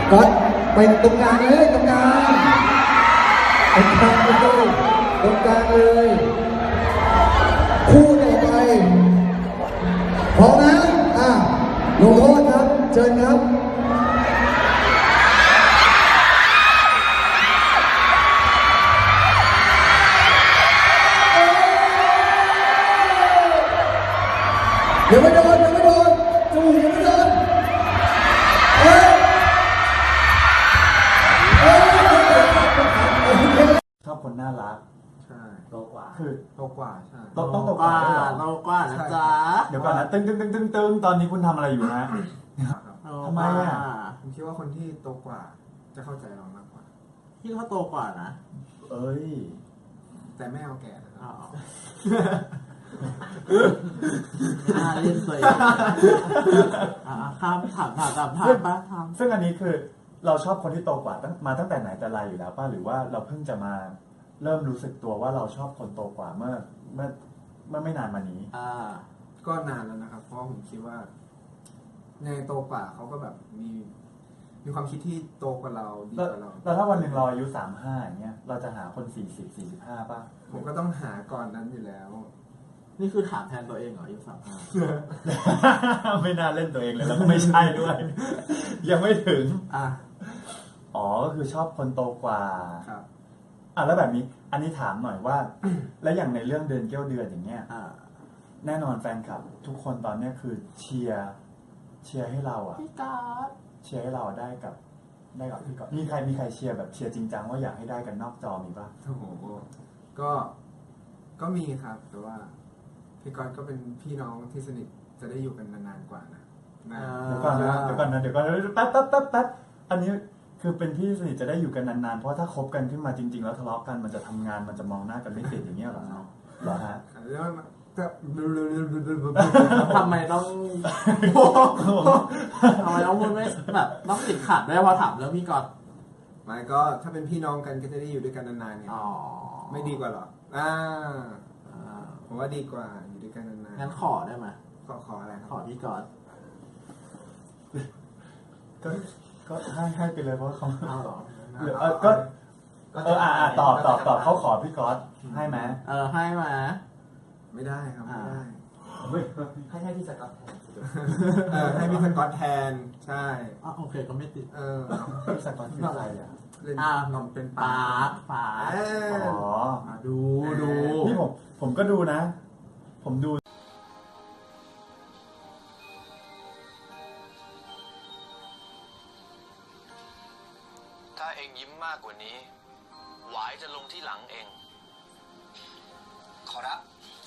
ก็ไปตรงกลางเลยตรงกลางตรงกลางเลยตรงกลางเลยคู่ต่อไปพร้อมนะลงโทษครับเชิญครับยังไม่โดนยังไม่โดนจมูกยังไม่โดนชอบคนน่ารักใช่โตกว่าคือโตกว่าใช่ต้องโตกว่าด้วยเหรอโตกว่านะจ๊ะเดี๋ยวก่อนนะตึงตอนนี้คุณทำอะไรอยู่นะครับทำไมอ่ะผมคิดว่าคนที่โตกว่าจะเข้าใจเรามากกว่าพี่เขาโตกว่านะเอ้ยแต่ไม่เอาแก่นะคอ๋รัอบ ไม่น่าเล่นตัวเองข้ามถามป้าถามซึ่งอันนี้คือเราชอบคนที่โตกว่ามาตั้งแต่ไหนแต่ไรอยู่แล้วป่ะหรือว่าเราเพิ่งจะมาเริ่มรู้สึกตัวว่าเราชอบคนโตกว่าเมื่อไม่นานมานี้ก็นานแล้วนะครับ เพราะผมคิดว่าในโตกว่าเขาก็แบบมีความคิดที่โตกว่าเราดีกว่าเราแล้วถ้าวันหนึ่งเราอายุ35อย่างเงี้ยเราจะหาคน40-45ป่ะผมก็ต้องหาก่อนนั้นอยู่แล้วนี่คือถามแทนตัวเองเหรออายุ35 ไม่น่าเล่นตัวเองเลยแล้วก็ไม่ใช่ด้วย ยังไม่ถึงอ๋อก็คือชอบคนโตกว่าครับแล้วแบบนี้อันนี้ถามหน่อยว่า แล้วอย่างในเรื่องเดือนเกี้ยวเดือนอย่างเงี้ยแน่นอนแฟนคลับทุกคนตอนเนี้ยคือเชียร์ให้เราพี่การ์ดเชียร์ให้เราได้กับพี่ก๊อตมีใครเชียร์แบบเชียร์จริงจังว่าอยากให้ได้กันนอกจอมีป่ะโอ้โหก็มีครับ แต่ว่าพี่ก๊อตก็เป็นพี่น้องที่สนิทจะได้อยู่กันนานๆกว่านะเดี๋ยวก่อนนะแป๊บอันนี้คือเป็นพี่สนิทจะได้อยู่กันนานๆเพราะถ้าคบกันขึ้นมาจริงๆแล้วทะเลาะกันมันจะทำงานมันจะมองหน้ากันไม่ติดอย่างเงี้ยเหรอเหรอฮะแล้วทำไมต้องพูดไม่แบบต้องติดขัดด้วยพอถามเรื่องพี่ก๊อตไม่ก็ถ้าเป็นพี่น้องกันก็จะได้อยู่ด้วยกันนานๆไงไม่ดีกว่าหรอผมว่าดีกว่าอยู่ด้วยกันนานๆงั้นขอได้ไหมขออะไรครับขอพี่ก๊อตก็ให้ไปเลยเพราะเขาหรอก็ตอบเขาขอพี่ก๊อตให้ไหมให้มาไม่ได้ครับไม่ได้ให้พี่สก๊อตแทนให้พี่สก๊อตแทนใช่โอเคก็ไม่ติดพี่สก๊อตคืออะไรอ่ะนมเป็นป๋าอ๋อดูนี่ผมก็ดูนะ ผมดูถ้าเองยิ้มมากกว่านี้หวายจะลงที่หลังเองขอรับ